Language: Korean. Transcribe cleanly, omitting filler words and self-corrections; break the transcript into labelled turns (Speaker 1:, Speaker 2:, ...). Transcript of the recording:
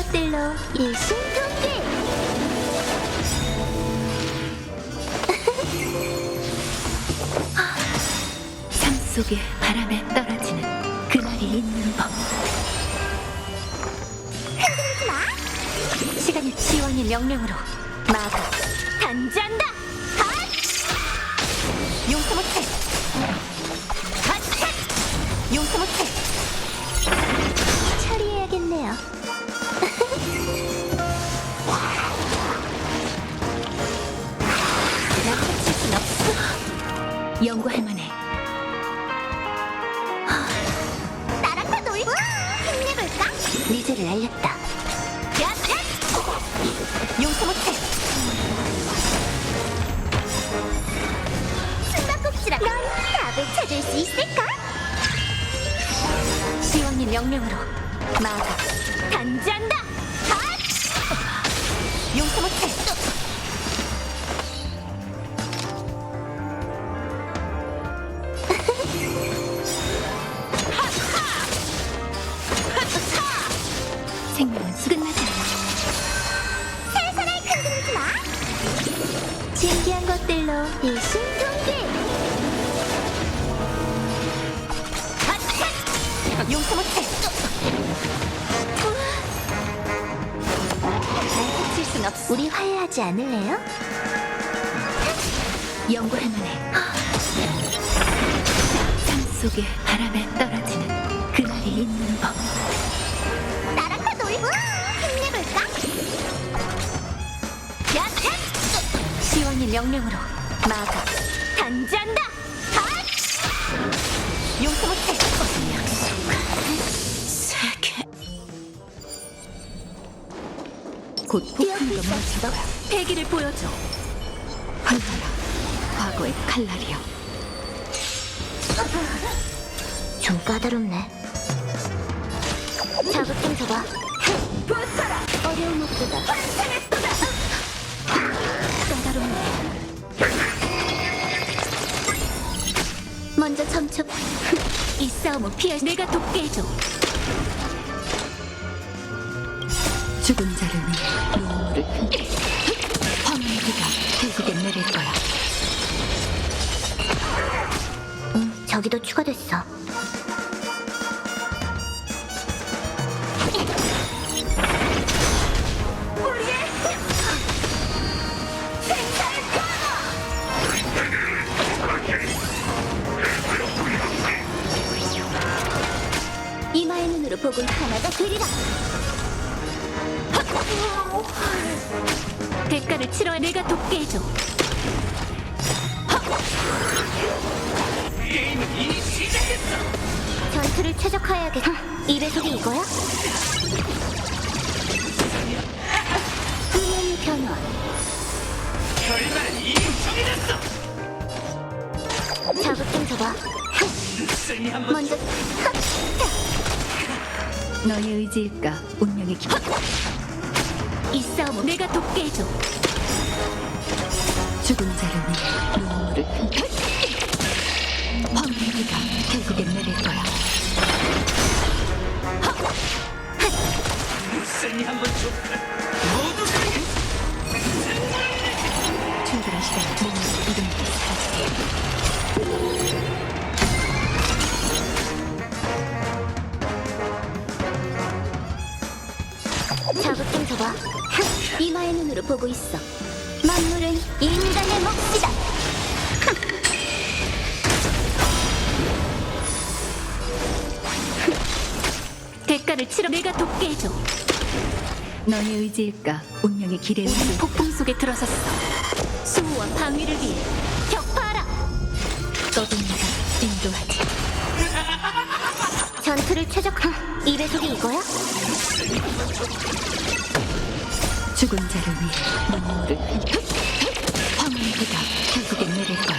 Speaker 1: 것들로 일심동기.
Speaker 2: 삶 속에 바람에 떨어지는 그날이 있는 법.
Speaker 1: 흔들리지 마.
Speaker 2: 시간이 지원의 명령으로 마가 단지한다. 핫! 용서 못해. 핫! 용서 못해.
Speaker 1: 처리해야겠네요.
Speaker 2: 나 해칠 순 없어. 연구할 만해.
Speaker 1: 나랑 다 놀고 힘내볼까?
Speaker 2: 미제를 알렸다. 용서 못해.
Speaker 1: 숨바꼭질아. 넌 답을 찾을 수 있을까?
Speaker 2: 시원의 명령으로 마가 단지한다. 핫! 용서 못해. 생명은 끝나지 않아.
Speaker 1: 세상을 흔들리지 마. 신기한 것들로 일심동기.
Speaker 2: 용서 못해. 날 해칠 순 없어.
Speaker 1: 우리 화해하지 않을래요?
Speaker 2: 연구할 만해. 삶 속에 바람에 떨어지는 그날이 있는 법.
Speaker 1: 나랑 다 놀고 힘내볼까?
Speaker 2: 시원의 명령으로 마가 단지한다. 핫! 용서 못해. 세계 곧 폭풍우가 멈출 거야. 패기를 보여줘. 흘러라 과거의 칼날이여.
Speaker 1: 좀 까다롭네. 자극 좀 줘봐. 어려운 목표다.
Speaker 2: 까다롭네.
Speaker 1: 먼저 점쳐.
Speaker 2: 이 싸움은 피할 내가 돕게 해줘. 죽은 자를 위해 눈물을 흘려. 황혼의 비가 결국엔 내릴 거야.
Speaker 1: 저기도 추가됐어. 이마의 눈으로 보고 하나가 되리라.
Speaker 2: 대가를 치러야 내가 돕게 해줘.
Speaker 1: 전투를 최적화해야겠다. 이 배속이 이거야? 음향의 변화. 자극 좀 줘봐. 먼저
Speaker 2: 너의 의지일까 운명의 길. 이 싸움은 내가 돕게 해줘. 죽은 자를 위해 눈물을 흘려. 황혼의 비가 결국엔 내릴 거야. 출발할 시간 몸을 이름으로 사라지게.
Speaker 1: 자극 좀 줘봐. 이마의 눈으로 보고 있어. 만물은 인간의 몫이다.
Speaker 2: 대가를 치러 내가 돕게 해줘. 너의 의지일까 운명의 길에 우리는 폭풍 속에 들어섰어. 수호와 방위를 위해 격파하라. 너도 내가 인도하지.
Speaker 1: 전투를 최적화. 이 배속이 이거야?
Speaker 2: 죽은 자를 위해 눈물을 흘려. 황혼의 비가 결국엔 내릴 거야.